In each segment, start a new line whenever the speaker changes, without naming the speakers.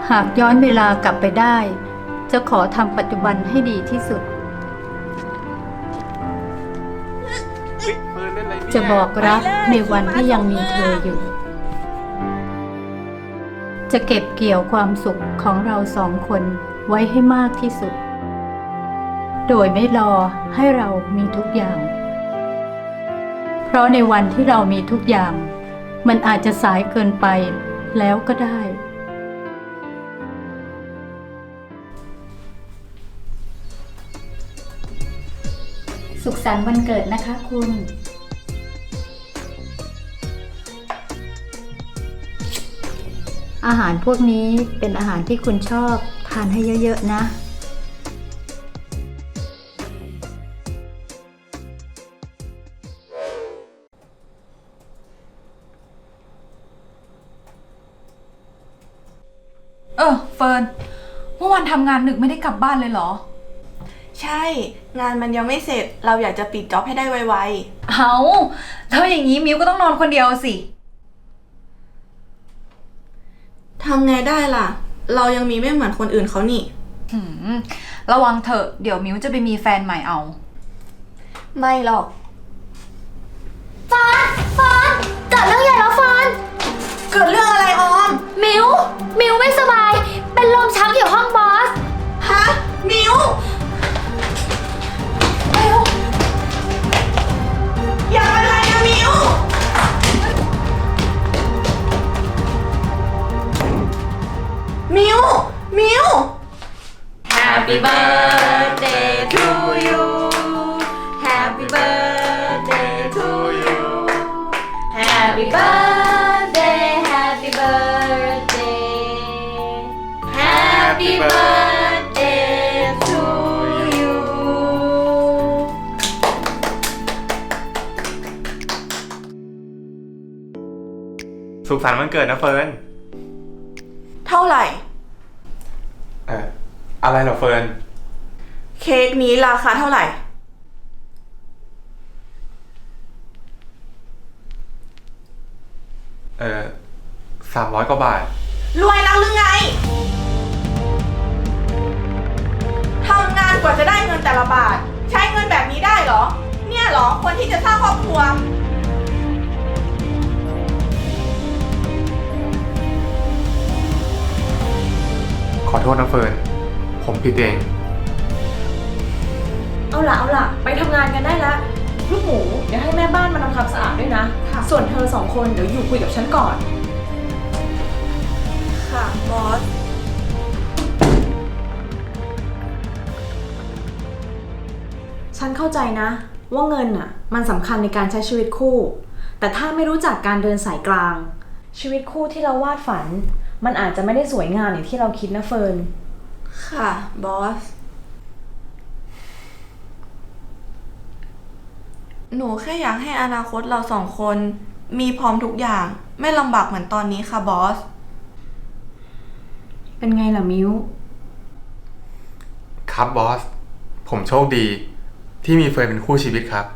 หากย้อนเวลากลับไปได้ จะขอทำปัจจุบันให้ดีที่สุด จะบอกรักในวันที่ยังมีเธออยู่ จะเก็บเกี่ยวความสุขของเราสองคนไว้ให้มากที่สุด โดยไม่รอให้เรามีทุกอย่าง เพราะในวันที่เรามีทุกอย่าง มันอาจจะสายเกินไปแล้วก็ได้ สุขสันต์วันเกิดนะคะคุณ อาหารพวกนี้เป็นอาหารที่คุณชอบทานให้เยอะๆนะ
เฟิร์นเมื่อวานทำงานดึกไม่ได้กลับบ้านเลยเหรอ
ใช่งานมันยังไม่เสร็จเราอยากจะปิดจ็อบให้ได้ไว
เอาแล้วอย่างนี้มิวก็ต้องนอนคนเดียวสิ
ๆทำไงได้ล่ะเรายังมีไม่เหมือนคนอื่นเขานี่
ระวังเถอะเดี๋ยวมิวจะไปมีแฟนใหม่เอา
ไม่หรอก
ฟอนเกิดเรื่องใหญ่แล้วฟอน
เกิดเรื่องอะไรออม
มิวไม่สบายเป็นลมชักอยู่ห้องบอส
ฮะมิวอย่าเป็นไรนะมิว
Happy birthday to you Happy birthday to you Happy birthday Happy birthday Happy birthday to you
สุขสันต์วันเกิดนะเฟิร์น
เท่าไหร่
อะไรเหรอเฟิร์น
เค้กนี้ราคาเท่าไหร่
300 กว่าบาท
รวยแล้วหรือไงทำงานกว่าจะได้เงินแต่ละบาทใช้เงินแบบนี้ได้เหรอเนี่ยเหรอคนที่จะสร้างครอบครัว
ขอโทษนะเฟิร์นผมผิดเอง
เอาล่ะไปทำงานกันได้ละลูกหมูเดี๋ยวให้แม่บ้านมาทำความสะอาดด้วยนะส่วนเธอ2 คนเดี๋ยวอยู่คุยกับฉันก่อน
ค่ะบอส
ฉันเข้าใจนะว่าเงินน่ะมันสำคัญในการใช้ชีวิตคู่แต่ถ้าไม่รู้จักการเดินสายกลางชีวิตคู่ที่เราวาดฝันมันอาจจะไม่ได้สวยงามอย่างที่เราคิดนะเฟิร์น
ค่ะบอสหนูแค่อยากให้อนาคตเรา2 คนมีพร้อมทุกอย่างไม่ลำบากเหมือนตอนนี้ค่ะบอส
เป็นไงล่ะมิว
ครับบอสผมโชคดีที่มีเฟิร์นเป็นคู่ชีวิตครับ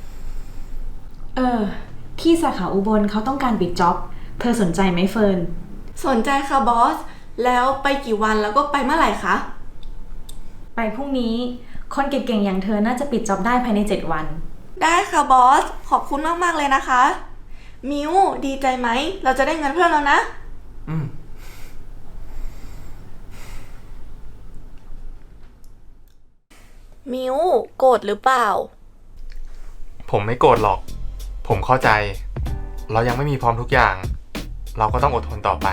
ที่สาขาอุบลเขาต้องการปิดจ็อบเธอสนใจไหมเฟิร์น
สนใจค่ะบอสแล้วไปกี่วันแล้วก็ไปเมื่อไหร่คะ
ไปพรุ่งนี้คนเก่งๆอย่างเธอน่าจะปิดจ็อบได้ภายใน7 วัน
ได้ค่ะบอสขอบคุณมากๆเลยนะคะมิวดีใจไหมเราจะได้เงินเพิ่มแล้วนะมิวโกรธหรือเปล่า
ผมไม่โกรธหรอกผมเข้าใจเรายังไม่มีพร้อมทุกอย่างเราก็ต้องอดทนต่อไป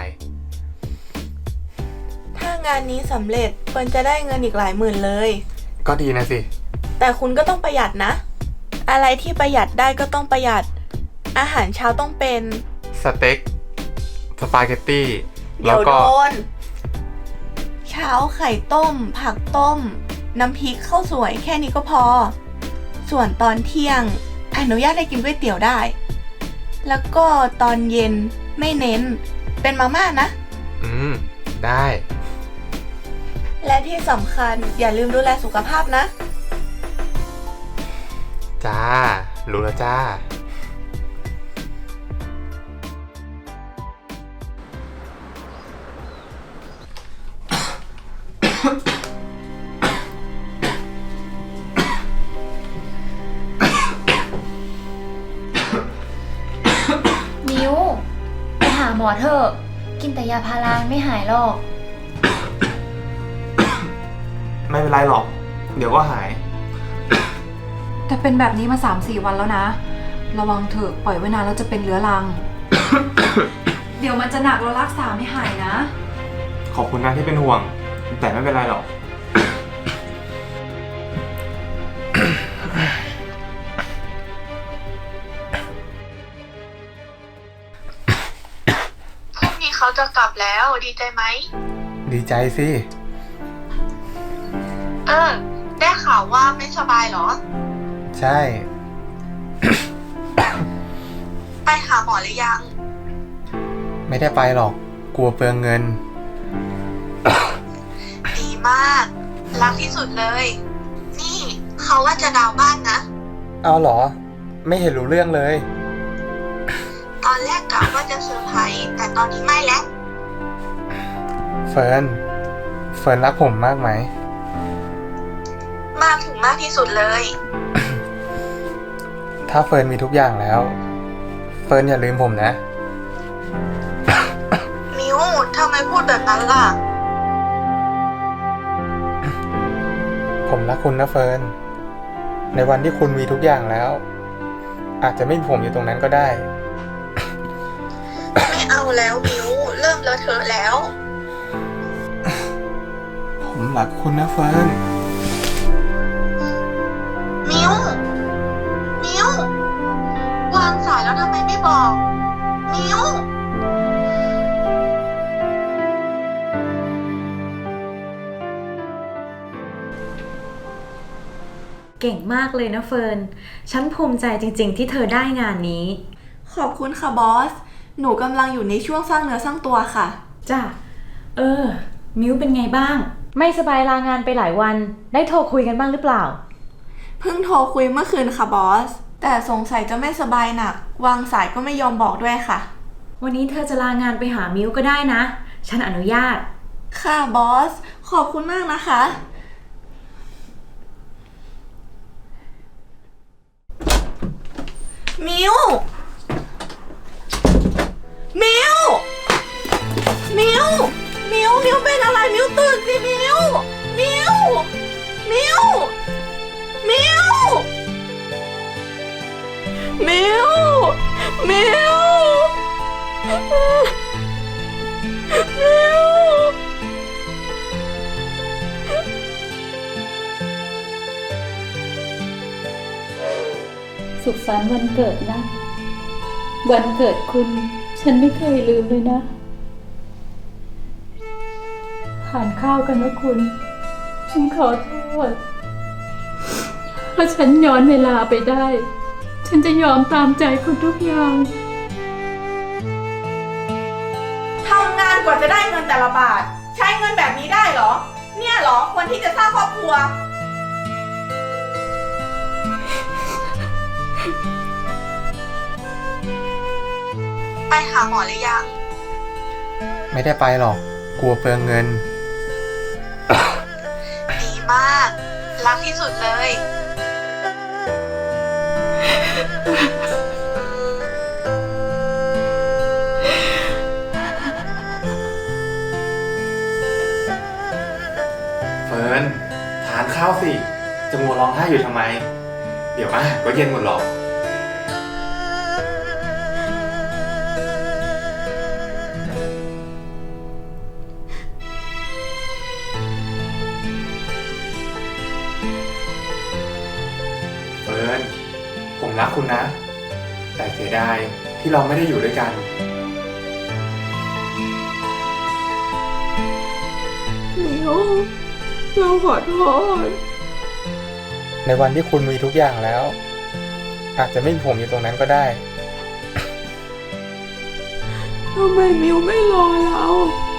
ถ้างานนี้สำเร็จเฟิร์นจะได้เงินอีกหลายหมื่นเลย
ก็ดีนะสิ
แต่คุณก็ต้องประหยัดนะอะไรที่ประหยัดได้ก็ต้องประหยัดอาหารเช้าต้องเป็น
สเต็กสปาเกตตี้
แล้วก็เช้าไข่ต้มผักต้มน้ำพริกข้าวสวยแค่นี้ก็พอส่วนตอนเที่ยงอนุญาตให้กินก๋วยเตี๋ยวได้แล้วก็ตอนเย็นไม่เน้นเป็นมาม่านะ
ได้
และที่สำคัญอย่าลืมดูแลสุขภาพนะ
จ้ารู้แล้วจ้า
มิวไปหาหมอเถอะ กินแต่ยาพาราไม่หายหรอก
ไม่เป็นไรหรอก เดี๋ยวก็หาย
แต่เป็นแบบนี้มา 3-4 วันแล้วนะ ระวังเถอะปล่อยไว้นานแล้วจะเป็นเรื้อรัง เดี๋ยวมันจะหนักเรารักษาไม่หายนะ
ขอบคุณนะที่เป็นห่วง แต่ไม่เป็นไรหรอก
พรุ่งนี้เขาจะกลับแล้วดีใจไหม
ดีใจสิ
ได้ข่าวว่าไม่สบายเหรอ
ใช่
ไปหาหมอหรือยัง
ไม่ได้ไปหรอก กลัวเปลืองเงิน
ดีมาก รักที่สุดเลย นี่เขาว่าจะดาวน์บ้านนะ
เอาเหรอ ไม่เห็นรู้เรื่องเลย
ตอนแรกกะว่าจะเซอร์ไพรส์แต่ตอนนี้ไม่แล้ว
เฟิร์นรักผมมากไหม
มากถึงมากที่สุดเลย
ถ้าเฟิร์นมีทุกอย่างแล้ว เฟิร์นอย่าลืมผมนะ
มิวทำไมพูดแบบนั้นล่ะ
ผมรักคุณนะเฟิร์น ในวันที่คุณมีทุกอย่างแล้ว อาจจะไม่มีผมอยู่ตรงนั้นก็ได้
ไม่เอาแล้วมิวเริ่มเลอะเทอะแล้ว
ผมรักคุณนะเฟิร์น
มิววางสายแล้วทำไมไม่บอก มิว
เก่งมากเลยนะเฟิร์น ฉันภูมิใจจริงๆที่เธอได้งานนี้
ขอบคุณค่ะบอส หนูกำลังอยู่ในช่วงสร้างเนื้อสร้างตัวค่ะ
จ้ะ มิ้วเป็นไงบ้าง ไม่สบายลางานไปหลายวัน ได้โทรคุยกันบ้างหรือเปล่า
เพิ่งโทรคุยเมื่อคืนค่ะบอส แต่สงสัยจะไม่สบายหนัก วางสายก็ไม่ยอมบอกด้วยค่ะ
วันนี้เธอจะลางานไปหามิ้วก็ได้นะ ฉันอนุญาต
ค่ะบอส ขอบคุณมากนะคะ มิว มิว มิว มิว มิวเป็นอะไร มิวตื่นสิมิว มิว มิว มิว มิว มิว มิว
สุขสันต์วันเกิดนะ วันเกิดคุณ ฉันไม่เคยลืมเลยนะทานข้าวกันนะคุณ ฉันขอโทษถ้าฉันย้อนเวลาไปได้ ฉันจะยอมตามใจคุณทุกอย่าง
ทำงานกว่าจะได้เงินแต่ละบาท ใช้เงินแบบนี้ได้เหรอ เนี่ยเหรอคนที่จะสร้างครอบครัว ไปหาหมอหรือยัง
ไม่ได้ไปหรอก กลัวเปลืองเงิน
ดีมาก รักที่สุดเลย
เฟิร์น ทานข้าวสิ จะมัวร้องไห้อยู่ทำไม เดี๋ยวก็เย็นหมดหรอก เฟิร์น ผมรักคุณนะ แต่เสียดายที่เราไม่ได้อยู่ด้วยกัน
มิว เราขอโทษ
ในวันที่คุณมีทุกอย่างแล้ว อาจจะไม่มีผมอยู่ตรงนั้นก็ได้
ทำไมมิวไม่รอเรา